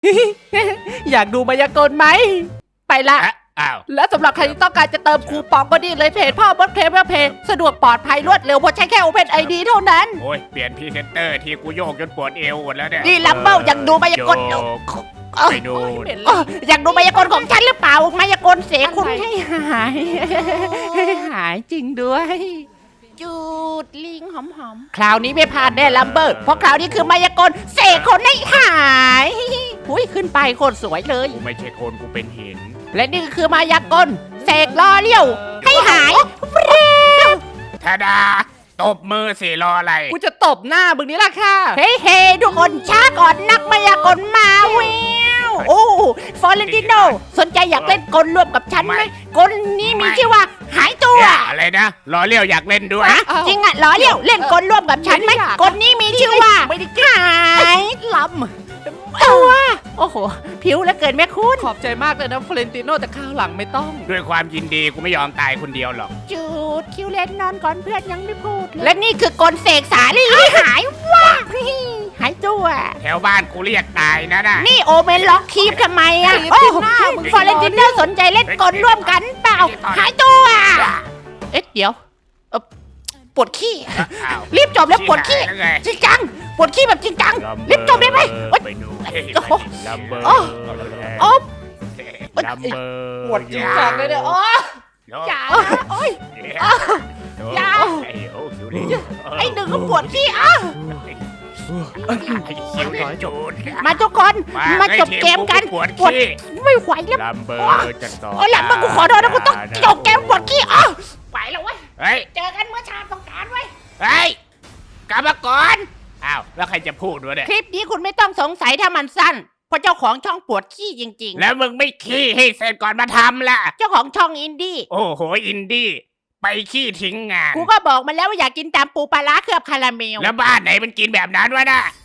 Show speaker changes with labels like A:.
A: อยากดูมายากลไหมไปละ
B: อ้าว
A: และสำหรับใครที่ต้องการจะเติมคูปองก็นี่เลยเพจพ่อบดเคลมเพจสะดวกปลอดภัยรวดเร็วเพราะใช้แค่ Open ID เท่านั้น
B: โอ้ยเปลี่ยนพรีเซนเตอร์ที่กูโยกจนปวดเอวหมดแล้วเนี่ย
A: นี่ลัมเบิลอยากดูมายากล
B: โยกไปดูน
A: อยากดูมายากลของฉันหรือเปล่ามายากลเสกคุณให้หายหายจริงด้วยจูดลิงหอมๆคราวนี้ไม่พลาดแน่ลัมเบิลเพราะคราวนี้คือมายากลเสกคนให้หายหุ้ยขึ้นไปโคตรสวยเลย
B: กูไม่ใช่คนกูเป็นหิน
A: และนี่ก็คือมายากลเสกล้อเลี้ยวให้หาย
B: ทาดาตบมือสิรออะไร
A: กูจะตบหน้ามึงนี่ล่ะค่ะ เฮ้ยเฮ้ทุกคนช้าก่อนนักมายากลมาเวิวโอ้ฟอเรนติโนสนใจอยากเล่นกลร่วมกับฉันไหมกลนี้มีชื่อว่าหายตัว
B: อะไรนะรอเลี้ยวอยากเล่นด้วย
A: ฮะจริงอ่ะล้อเลี้ยวเล่นกลร่วมกับฉันไหมกลนี้มีชื่อว่าหายลำตัวโอ้โหผิวแล้วเกินแม่คุณขอบใจมากเลยนะฟอเรนติโนแต่ข้าวหลังไม่ต้อง
B: ด้วยความยินดีกูไม่ยอมตายคนเดียวหรอก
A: จูดคิวเล่นนอนก่อนเพื่อนยังไม่พูดเลยและนี่คือกลเสกสาลีหายว้าหายตัว
B: แถวบ้านกูเรียกตายนะน่ะ
A: นี่โอเมนล็อกคีบทำไมอ่ะโอ้ฟอเรนติโนสนใจเล่นกลร่วมกันเปล่าหายตัวเอ๊ะเดี๋ยวปวดขี้
B: อ้าว
A: รีบจบแล้วปวดขี้
B: แล้วไง
A: จริงจังปวดขี้แบบจริงจังรีบจบได้ไหมโอ๊ย
B: ไปดู
A: โอ้โห
B: ลัมเบอร์
A: โอ้โอ้
B: ลัมเบอร์
A: ปวดจริงจังเลยเนี่ยโอ้อย่านะโอ้ย อย่า
B: ไอ้โอ้คิวเลย
A: ไอ้หนึ่งก็ปวดขี้อ่ะ
B: ไอ้คิวเลยจูด
A: มาทุกคนมาจบเกมกัน
B: ปวด
A: ปวด
B: ขี้
A: ไม่ไหวแล้ว
B: ลัมเบอร์จะต่อ
A: โอ้ยหลังมากูขอโทษนะกูต้องจบเกมปวดขี้อ่ะไปแล้วเว้ย
B: เฮ้ย
A: เจอกันเมื่อชาติสงกรานต์เว้ย
B: เฮ้ยกลับมาก่อนอ้าวแล้วใครจะพูดวะเนี่ย
A: คลิปนี้คุณไม่ต้องสงสัยถ้ามันสั้น เพราะเจ้าของช่องปวดขี้จริง
B: แล้วมึงไม่ขี้ให้เสร็จก่อนมาทำล่ะ
A: ๆ เจ้าของช่องอินดี้
B: โอ้โหอินดี้ไปขี้ทิ้งงาน
A: กูก็บอกมันแล้วว่าอยากกินตามปูปลาร้าเคลือบคาราเมล
B: แล้วบ้านไหนมันกินแบบนั้นวะน่ะ